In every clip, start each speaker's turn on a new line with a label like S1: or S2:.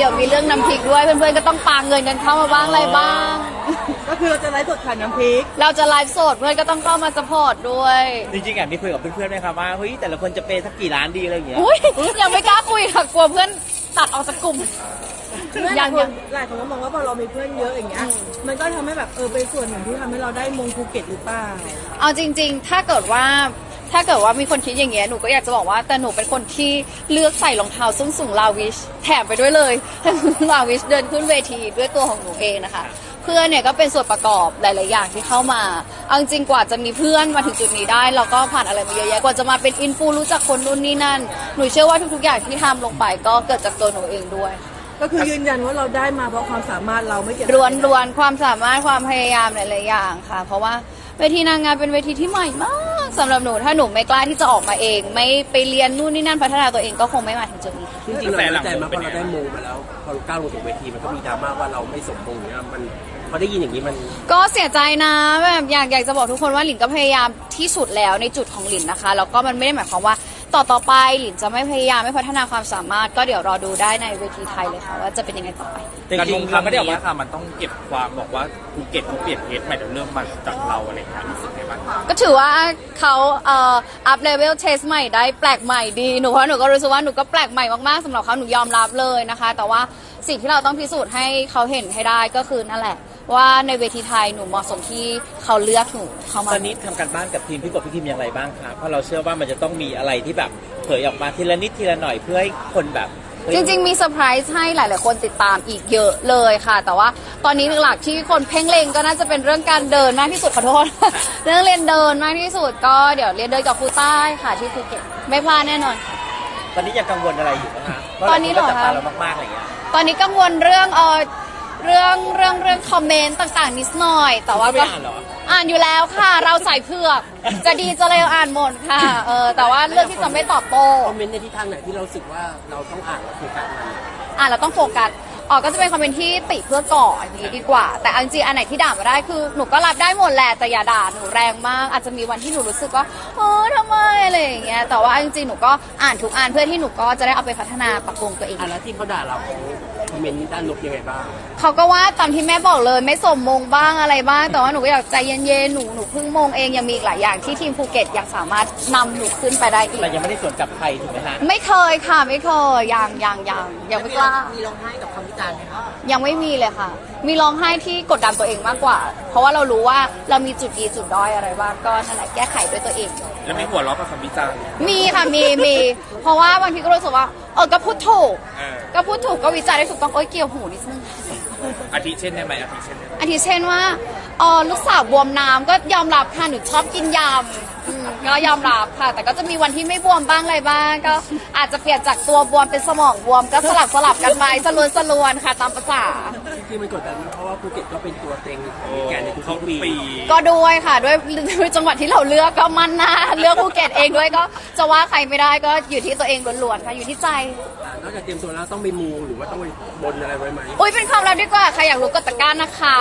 S1: ดี๋ยวมีเรื่องน้ำพริกด้วยเพื่อนๆก็ต้องปาเงินกันเข้ามาบ้างอะไรบ้าง
S2: ก็คือเราจะไลฟ์สดขายน้ำพริก
S1: เราจะไลฟ์สดเพื่อนก็ต้องเข้ามาสปอร์ตด้วย
S3: จริงๆมีคุยกับเพื่อนๆไหมครับว่าเฮ้ยแต่ละคนจะเปย์สักกี่ล้านดีอะไรอย่างเงี้ย
S1: อุ้ยยังไม่กล้าคุยค่ะกลัวเพื่อนตัดออกจากกลุ่ม
S2: ยังหลายคนก็มองว่าพอเรามีเพื่อนเยอะอย่างเงี้ยมันก็ทำให้แบบเป็นส่วนหนึ่งที่ทำให้เราได้มงภูเก็ตหรือเปล่า
S1: เอาจริงๆถ้าเกิดว่ามีคนคิดอย่างเงี้ยหนูก็อยากจะบอกว่าแต่หนูเป็นคนที่เลือกใส่รองเท้าส้นสูงลาวิชแถมไปด้วยเลย ลาวิชเดินขึ้นเวทีด้วยตัวของหนูเองนะคะเพื่อนเนี่ยก็เป็นส่วนประกอบหลายๆอย่างที่เข้ามาเอาจริงกว่าจะมีเพื่อนมาถึงจุดนี้ได้เราก็ผ่านอะไรมาเยอะแยะกว่าจะมาเป็นอินฟูรู้จักคนนู่นนี่นั่นหนูเชื่อว่าทุกๆอย่างที่ทำลงไปก็เกิดจากตัวหนูเองด้วย
S2: ก็คือยืนยันว่าเราได้มาเพราะความสามารถเราไม่เกี่ยว
S1: ล้วนความสามารถความพยายามหลายๆอย่างค่ะเพราะว่าเวทีนางงามเป็นเวทีที่ใหม่มากสำหรับหนูถ้าหนูไม่กล้าที่จะออกมาเองไม่ไปเรียนนู่นนี่นั่นพัฒนาตัวเองก็คงไม่มาถึงจุดนี้
S4: จริงๆเราใจมากพอเราได้มงมาแล้วพอเราก้าวลงสู่เวทีมันก็มีดราม่าว่าเราไม่สมมงเนี่ยมันพอได้ยินอย่างนี้มัน
S1: ก็เสียใจนะแบบอยากจะบอกทุกคนว่าหลินก็พยายามที่สุดแล้วในจุดของหลินนะคะแล้วก็มันไม่ได้หมายความว่าต่อไปหลินจะไม่พยายามไม่พัฒนาความสามารถก็เดี๋ยวรอดูได้ในเวทีไทยเลยค่ะว่าจะเป็นยังไงต่อไป
S3: การลงครั้งนี้ค่ะมันต้องเก็บความบอกว่าภูเก็ตเขาเปลี่ยนเพจใหม่เดี๋ยวเริ่มมาจากเราอะไรอย่างเงี้ยรู้สึกไงบ้าง
S1: ก็ถือว่าเขาอัพเลเวลเทสใหม่ได้แปลกใหม่ดีหนูเพราะหนูก็รู้สึกว่าหนูก็แปลกใหม่มากๆสำหรับเขาหนูยอมรับเลยนะคะแต่ว่าสิ่งที่เราต้องพิสูจน์ให้เขาเห็นให้ได้ก็คือนั่นแหละว่าในเวทีไทยหนูเหมาะสมที่เขาเลือกหนูเข้ามา
S3: ตอนนี้ทำการบ้านกับทีมพี่กบพี่ทีมอย่างไรบ้างคะเพราะเราเชื่อว่ามันจะต้องมีอะไรที่แบบเผยออกมาทีละนิดทีละหน่อยเพื่อให้คนแบบ
S1: จริงๆมีเซอร์ไพรส์ให้หลายๆคนติดตามอีกเยอะเลยค่ะแต่ว่าตอนนี้หลักๆที่คนเพ่งเล็งก็น่าจะเป็นเรื่องการเดินมากที่สุดขอโทษ เรื่องเรียนเดินมากที่สุดก็เดี๋ยวเรียนเดินกับครูใต้ค่ะที่ภูเก็ตไม่พลาดแน่นอน
S3: ตอนนี้ยังกังวลอะไรอยู่นะคะ
S1: ตอนนี้เหรอคะ
S3: เรามากๆอะไรอย่างเงี้ย
S1: ตอนนี้กังวลเรื่องคอมเมนต์ต่างๆนิดหน่อยแต่ว่าก็อ่านอยู่แล้วค่ะเราใส่เผือกจะดีจะเลวอ่านหมดค่ะแต่ว่าเรื่องที่จะไม่ตอบโต้
S4: คอมเมนต์ในทิศทางไหนที่เราสึกว่าเราต้องอ่านและโฟกัสมัน
S1: เราต้องโฟกัสก็จะเป็นคอมเมนต์ที่ติเพื่อก่ออย่างนี้ดีกว่าแต่จริงๆอันไหนที่ด่ามาได้คือหนูก็รับได้หมดแหละแต่อย่าด่าหนูแรงมากอาจจะมีวันที่หนูรู้สึกว่าทำไมอะไรอย่างเงี้ยแต่ว่าจริงๆหนูก็อ่านทุกอันเพื่อที่หนูก็จะได้เอาไปพัฒนาปรับปรุงตัวเอง
S4: แล้วที่เขาด่าเราคอมเมนต์นี้ด้านลบยังไงบ้าง
S1: เขาก็ว่าตามที่แม่บอกเลยไม่สมมงบ้างอะไรบ้างแต่ว่าหนูก็อยากใจเย็นๆหนูเพิ่งมงเองยังมีอีกหลายอย่างที่ทีมภูเก็ตยังสามารถนำหนูขึ้นไปได้อีก
S3: แต่ยังไม่ได้สวนกับใครถูกไหมฮะ
S1: ไม่เคยค่ะไม่เคยยังไม่กล้า
S2: มีร้องไห้กับคำวิจารณ์ไหมคะ
S1: ยังไม่มีเลยค่ะมีร้องไห้ที่กดดันตัวเองมากกว่าเพราะว่าเรารู้ว่าเรามีจุดดีจุดด้อยอะไรบ้างก็นั่นแหละแก้ไขด้วยตัวเอง
S3: แล้วมีหัวเราะกับคำวิจารณ์
S1: มีค่ะมีเพราะว่าบางทีก็รู้สึกว่าก็พูดถูกก็วิจารณ์ได้ถูกต้องเกี่ยวหูนิดนึง
S3: อาทิเช่นได้ไหม
S1: อาทิเช่นว่าลูกสาวบวมน้ำก็ยอมรับค่ะหนูชอบกินยำก็ยอมรับค่ะแต่ก็จะมีวันที่ไม่บวมบ้างอะไรบ้างก็อาจจะเปลี่ยนจากตัวบวมเป็นสมองบวมก็สลับกันไปสลวนค่ะตามภาษา
S4: ที่มันกดดันเพราะว่าภูเก็ตก็เป็นตัวเต็งแกนในทุกปี
S1: ก็ด้วยค่ะด้วยจังหวัดที่เราเลือกก็มันนะเลือกภูเก็ตเองด้วยก็จะว่าใครไม่ได้ก็อยู่ที่ตัวเองล้วนๆค่ะอยู่ที่ใจ
S4: นอกจากเตรียมตัวแล้วต้องไปมูหรือว่าต้องไปบนอะไรไว้ไหม
S1: เป็นความลับดีกว่าใครอยากรู้กดตะกร้านะคะ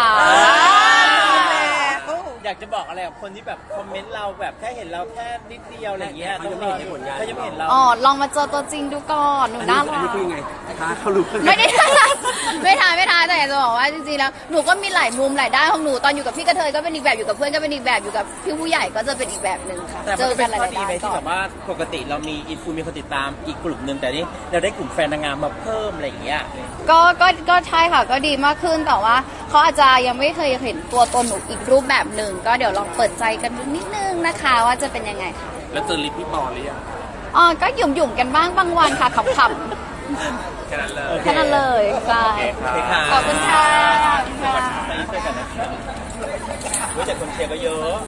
S3: อยากจะบอกอะไรกับคนที่แบบคอมเมนต์เราแบบแค่เห็นเราแค่นิดเดียวอะไรอย่างเงี้ยเขาจะไม่เห็นผลงานเขาจะไม่เห็นเรา
S1: ลองมาเจอตัวจริงดูก่อนหนูน่ารัก
S4: คือยังไงท้าเขารู้
S1: ไม่ได้ไม่ท้าแต่อยากจะบอกว่าจริงๆแล้วหนูก็มีหลายมุมหลายด้านของหนูตอนอยู่กับพี่กระเทยก็เป็นอีกแบบอยู่กับเพื่อนก็เป็นอีกแบบอยู่กับพี่ผู้ใหญ่ก็จะเป็นอีกแบบนึงค่ะ
S3: เจอกันหลายๆด้านที่แบบว่าปกติเรามีอินฟูมีคนติดตามอีกกลุ่มนึงแต่นี่เราได้กลุ่มแฟนนางงามมาเพิ่มอะไรอย่างเงี้ย
S1: ก็ใช่ค่ะก็ดีมากขึ้นแต่ว่าเขาอาจจะยังไม่เคยเห็นตัวตนหนูอีกรูปแบบหนึ่งก็เดี๋ยวลองเปิดใจกันดูนิดนึงนะคะว่าจะเป็นยังไงค่ะ
S3: แล้วเจอลิปพี่ปอหรือยัง
S1: ก็หยุ่มกันบ้างบางวันค่ะขำ
S3: ๆแค่
S1: นั้นเลยใช่ขอบคุณค่ะ
S3: รู้จักคนเชียร์ก็เยอะ